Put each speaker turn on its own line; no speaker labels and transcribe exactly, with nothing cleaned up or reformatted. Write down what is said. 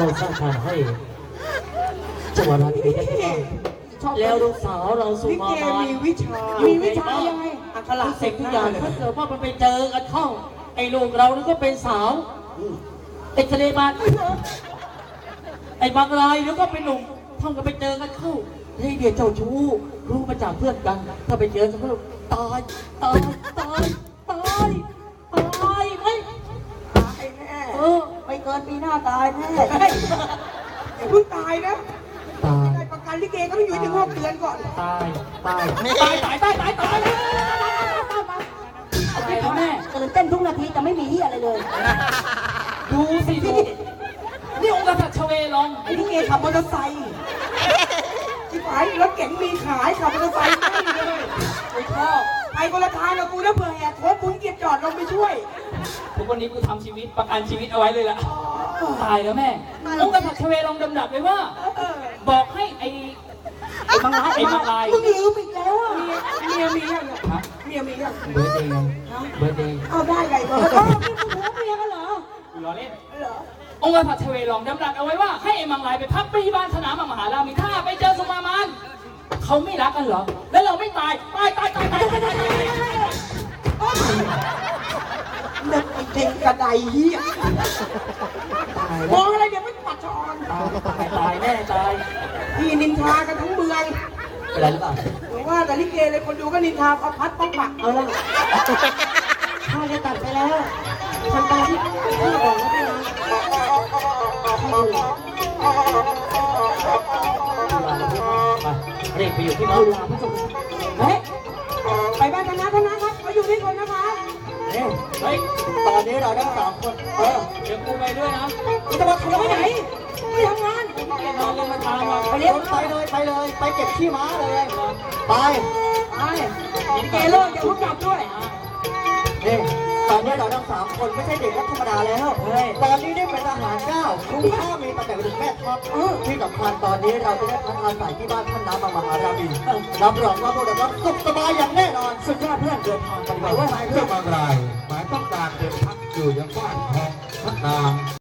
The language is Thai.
สร้างทางให้จังหวัดราชบุรีได้ที่แล้วลูกสาวเราสุ
ลิ
มา
เก
มา
มีวิชา
มีวิชายังไง
อักขระ
ทุก
เส
สิ่
ก
ง
ทุ
ทุ
ก
ก
อ
อย่า
ย่าง ง
ถ้าเกิดว่ามันไปเจอกันเข้าไอ้ลูกเรานี่ก็เป็นสาวไอ้ทะเลมาไอ้บางรายแล้วก็เป็นหนุ่มท่องกันไปเจอกันเข้าเฮ้ยเดี๋ยวเจ้าชู้รู้มาจากเพื่อนกัน ถ้าไปเจอกันก็ตายตายตายตายตายไหม
ตายแน่
เออไม่เกินปีหน้าตายแน่
อย่าเพิ่งตายนะ
ตาย
ได้ประกันลิเกก็ต้องอยู่ถึงหกเดือนก่อน
ตายตายตายตายตายตายตายอะไรนะแม่
ตื่นเต้นทุกนาทีแต่ไม่มีเฮียอะไรเลย
ดูสิดูนี่องค์กษัตริย์ชเวลอง
ไอ้ลิเกขับมอเตอร์ไซค์ที่ขายรถเก๋งมีขายขับมอเตอร์ไซค์ไม่เลย
ไม่ชอบ
ไปคนละทางกับกูนะเผื่อแหกโค้งมึงเกียบจอดลงไปช่วย
ทุกวันนี้กูทำชีวิตประกันชีวิตเอาไว้เลยล่ะตายแล้วแม่องค์กษัตริย์ชเวลองดำดับเลยว่า
เออ
บอกให้ไอ้ไอ้บางร้ายไอ้บางราย
มึงลืมอีกแล้วอ่ะ
เมียมียัง
ฮะ
เมียมียัง
เบอร์เดย์เบอร์เดย์
เอาได้ไงเบอร์
เออพี่มึงหัวเมียกันเหรอ
กูล้อเล่น
เหรอ
องค์กษัตริย์ชเวลองดำรัสเอาไว้ว่าให้ไอ้มังลายไปพักที่บ้านสนามมหารามีถ้าไปเจอสุมามานเขาไม่รักกันเหรอ แล้วเราไม่ตายตายตายตายตายตายตายตาย
นึกไอ้เด็กกระไดเหี้ย
ตาย
มองอะไรเดี๋ยวไม่ปัดชอน
ตายตายแน่ตาย
พี่นินทากันทั้งเมือง
อะไรหรือเปล่า
หรือว่าแต่ลิเกเลยคนดูก็นินทาเอาพัดป้องปัก
เอาละข้าจะตัดไปแล้วทำตามที่พี่บอกแล้วพี่นะให้ดู
เรียกไปอยู่ที่
เอา
บ้าน
ลาพระสงฆ์
เฮ้ยไปบ้านธนาธนาครับมาอยู่ที่คนนะคะ
เฮ้ยตอนนี้เราทั้งสามคนเออเดี๋ยวกูไปด้วยนะ
มึงจะมาทำไปไหนไม่ทำงาน
ไอ้น้องเรียนมาทางมา
ไปเลี้ยง
ไปเลยไปเลยไปเก็บขี้ม้าเลยไป
ไปลิเกเลิกอย่าเพิ่งกลับด้วย
นี่ตอนนี้เราทั้งสามคนไม่ใช่เด็กธรรมดาแล้วตอนนี้ได้เป็นทหารเก้าคุณพ่อมีตำแหน่งเป็นแม่ทัพที่สำคัญตอนนี้เราจะได้พักอาศัยที่บ้านท่านน้ำมหารามินรับรองว่าพวกเราสุขสบายอย่างแน่นอนสุดยอดเพื่อนเดินทางกันไป
แต่ว่าเรื่องบางรายหมายต้องการเดินพักอยู่ยังบ้านของพระนาง